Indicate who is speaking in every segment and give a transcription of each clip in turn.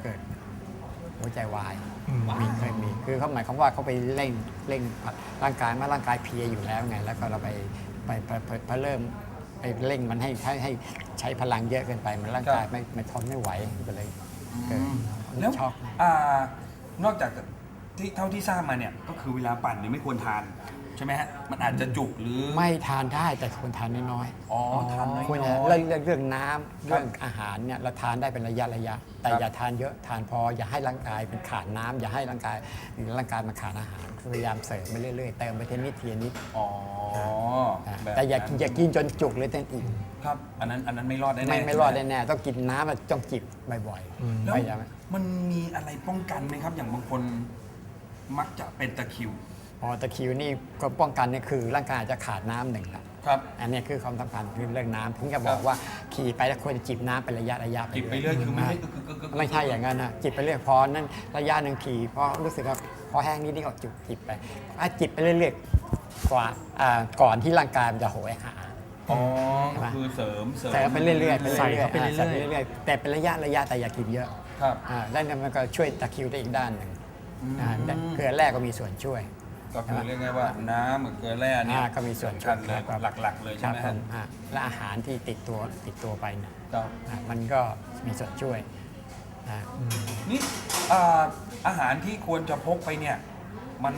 Speaker 1: เกิดหัวใจวายเคยมีคือเขาหมายความว่าเขาไปเร่งร่างกายเมื่อร่างกายเพลียอยู่แล้วไงแล้วก็เราไปเริ่มไปเร่งมันให้ใช้พลังเยอะเกินไปมันร่างกายไม่ทนไม่ไหวก็เลยเกิด
Speaker 2: แล้ว
Speaker 1: ช็อก
Speaker 2: นอกจากที่เท่าที่ทราบมาเนี่ยก็คือเวลาปั่นเนี่ยไม่ควรทานใช่ไหมฮะมันอาจจะจุกหรือ
Speaker 1: ไม่ทานได้แต่ควรทานน้อยๆ
Speaker 2: อ๋อทานน้อยๆ
Speaker 1: ควรจะเรื่องน้ำเรื่องอาหารเนี่ยเราทานได้เป็นระยะแต่อย่าทานเยอะทานพออย่าให้ร่างกายเป็นขาดน้ำอย่าให้ร่างกายมันขาดอาหารพยายามเสริมไปเรื่อยๆเติมไปทีนิด
Speaker 2: อ๋อ
Speaker 1: ๆ
Speaker 2: แบบ
Speaker 1: แต่อย่า
Speaker 2: นั้น
Speaker 1: กินจนจุกเลยเต้นอิ่ม
Speaker 2: ครับอันนั้นไม่รอดแน่ๆ
Speaker 1: ไม่รอดแน่ๆต้องกินน้ำต้องจิบบ่อยๆ
Speaker 2: แล้ว
Speaker 1: พยายาม
Speaker 2: มันมีอะไรป้องกันไหมครับ อย่างบางคนมักจะเป็นตะคริว
Speaker 1: ตะคริวนี่ก็ป้องกันนี่คือร่างกายจะขาดน้ำหนึ่งละ
Speaker 2: ครับ
Speaker 1: อันนี้คือความสำคัญคือเรื่องน้ำผมจะบอกว่าขี่ไปแล้วควรจะจิบน้ำเป็นระยะ
Speaker 2: จิบไปเรื่อยคือไม่ให้
Speaker 1: ไม่ใช่อย่างนั้นนะจิบไปเรื่อยพอนั้นระยะหนึ่งขี่พอรู้สึกว่าพอแห้งนิดนี่ก็จิบไปจิบไปเรื่อยๆกว่าก่อนที่ร่างกายมันจะโหยหา
Speaker 2: อ๋อก็คือเสริม
Speaker 1: ใส่ไปเรื่อยๆ
Speaker 3: ใส่เข้าไปเรื่อยๆ
Speaker 1: ใส่ไปเรื่อยๆแต่เป็นระยะแต่อย่ากินเยอะ
Speaker 2: ครับ
Speaker 1: แล้วมันก็ช่วยตะคริวได้อีกด้านหนึ่ง
Speaker 2: อืม
Speaker 1: เกลือแร่ก็มีส่วนช่วย
Speaker 2: ก็คือเรียกง่ายว่าน้ำกับเกลือแร่เนี่ย
Speaker 1: ก็มีส่วน
Speaker 2: สำ
Speaker 1: ช่
Speaker 2: คั
Speaker 1: วย
Speaker 2: ญเลย
Speaker 1: ครับ
Speaker 2: หลักๆเลยใช่ไหม
Speaker 1: ผ
Speaker 2: ฮะ
Speaker 1: มและอาหารที่ติดตัวไปเนี่ย
Speaker 2: ครับ
Speaker 1: มันก็มีส่วนช่วยนะ
Speaker 2: นี่อาหารที่ควรจะพกไปเนี่ยมัน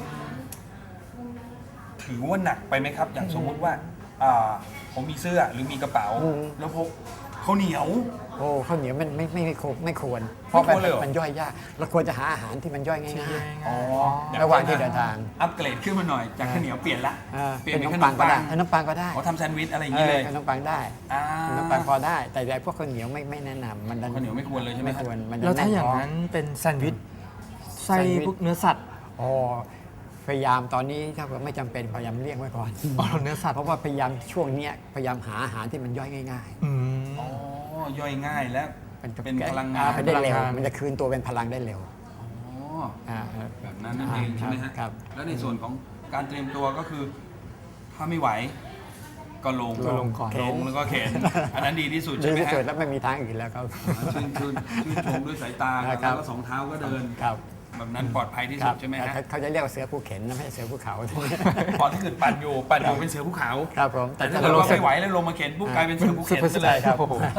Speaker 2: ถือว่าหนักไปไหมครับ อย่างสมมุติว่าผมมีเสื้อหรือมีกระเป๋า แล้วพกข้าวเหนียว
Speaker 1: โอ้ข้าวเหนียวมันไม่ควรเพ
Speaker 2: ไม่
Speaker 1: ราะ
Speaker 2: ควรเลยเหรอ
Speaker 1: มันย่อยยากเราควรจะหาอาหารที่มันย่อยง่าย
Speaker 2: อ๋อ
Speaker 1: ระหว่างที่เดินทาง
Speaker 2: อัปเกรดขึ้นมาหน่อยจากข้าวเหนียวเปลี่ยนละ
Speaker 1: ๆ
Speaker 2: เปลี่ยน
Speaker 1: เป็
Speaker 2: เป็น น
Speaker 1: ข
Speaker 2: ข
Speaker 1: น
Speaker 2: น
Speaker 1: ม
Speaker 2: ม
Speaker 1: ปั
Speaker 2: ปั
Speaker 1: ง
Speaker 2: ง
Speaker 1: ก็ได้ขนมปังก็ได้
Speaker 2: เขาทำแซนด์วิชอะไรอย่างนี้เลย
Speaker 1: ขนมปังได้
Speaker 2: อ่า
Speaker 1: ขนมปังพอได้ แต่พวกข้าวเหนียวไม่แนะนำมัน
Speaker 2: ข้าวเหนียวไม่ควรเลยใช่ไหม
Speaker 1: ไม่ควรมันจะ
Speaker 3: แล้วถ้า
Speaker 1: แน่น
Speaker 3: อย่าง
Speaker 1: ท้อง
Speaker 3: นั้นเป็นแซนด์วิชไส้
Speaker 1: แซนด์วิช
Speaker 3: พวกเนื้อสัตว์
Speaker 1: อ๋อพยายามตอนนี้ถ้าเกิดไม่จำเป็นพยายามเลี่ยงไว้ก่อน
Speaker 3: อ๋อเนื้อสัตว์
Speaker 1: เพราะว่าพยายามช่วงเนี้ยพยายามหาอาหารที่มันย่อยง่าย
Speaker 3: อืม
Speaker 2: อ๋อย่อยง่ายและ
Speaker 1: ๆ
Speaker 2: เป็นพลังงาน
Speaker 1: ไปได้เร็ว
Speaker 3: พลังงาน
Speaker 1: มันจะคืนตัวเป็นพลังได้เร็ว
Speaker 2: อ๋อ
Speaker 1: อ่า
Speaker 2: แบบนั้นนั่นเองใช่ไหมฮะ
Speaker 1: ครับ
Speaker 2: แล้วในส่วนของการเตรียมตัวก็คือ ถ้าไม่ไหว ก็ลง
Speaker 1: ก็ลงก่อน
Speaker 2: ลงแล้วก็เข็น อันนั้นดีที่สุด
Speaker 1: ดี
Speaker 2: ใช่ไหม
Speaker 1: ที่
Speaker 2: ฮะ
Speaker 1: สุดแล้วไม่มีทางอื่นแล้วครับ
Speaker 2: ชื่นชมด้วยสายตา
Speaker 1: ครั
Speaker 2: แล้
Speaker 1: บ
Speaker 2: วก็สองเท้าก็เดิน
Speaker 1: ครับ
Speaker 2: แบบนั้นปลอดภัยที่
Speaker 1: ค
Speaker 2: สุ
Speaker 1: รั
Speaker 2: ดใช่ไหมฮะ
Speaker 1: เขาจะเรียกว่าเสือภูเข็นนะไม่ใช่เสือภูเขา
Speaker 2: พอที่เกิดปั่นอยู่เป็นเสือภูเขา
Speaker 1: ครับผม
Speaker 2: แต่ถ้าเกิดว่าไม่ไหวแล้วลงมาเข็นปุ๊บกลายเป็นเสือภูเข็นซะเลย
Speaker 1: ครับ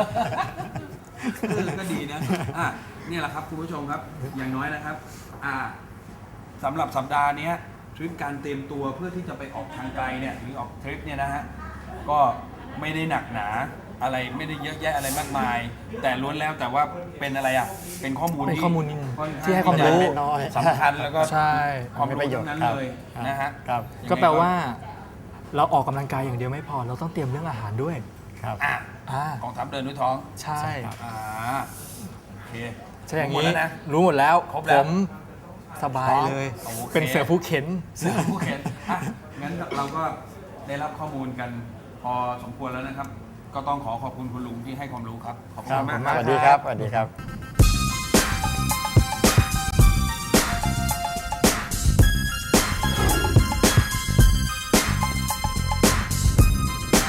Speaker 2: ก็ดีนะเนี่ยแหละครับคุณผู้ชมครับอย่างน้อยนะครับสำหรับสัปดาห์นี้ทริปการเตรียมตัวเพื่อที่จะไปออกทางไกลเนี่ยหรือออกทริปเนี่ยนะฮะก็ไม่ได้หนักหนาอะไรไม่ได้เยอะแยะอะไรมากมาย แต่ล้วนแล้วแต่ว่าเป็นอะไรอ่ะเป็นข้อมูล
Speaker 3: เป็นข้อมูล
Speaker 2: ค่อนข้ง
Speaker 3: ที่ให้ความรู้
Speaker 2: จะสำคัญแล้วก็
Speaker 3: ใช่
Speaker 2: ความรู้ทั้งนั้นเลยนะฮะ
Speaker 1: ครับ
Speaker 3: ก็แปลว่า เราออกกำลังกายอย่างเดียวไม่พอ เราต้องเตรียมเรื่องอาหารด้วย
Speaker 1: ครับ
Speaker 2: อ่ะ
Speaker 3: อ่าก
Speaker 2: องทัพเดินด้วยท้อง
Speaker 3: ใช่
Speaker 1: ครับ
Speaker 2: โอเค
Speaker 3: ใช่อย่าง
Speaker 2: หมด
Speaker 3: นี้
Speaker 2: แล้วนะ
Speaker 3: รู้หมดแล้ว
Speaker 2: ครบแล้ว
Speaker 3: ผมสบายเลย
Speaker 2: โอเค
Speaker 3: เป็นเสือผู้เข็น
Speaker 2: เสือผู้เข็นงั้นเราก็ได้รับข้อมูลกันพอสมควรแล้วนะครับ ก็ต้องขอขอบคุณคุณลุงที่ให้ความรู้ครับ ขอบคุณมาก
Speaker 1: สวัสดีครับสวัสดีครับ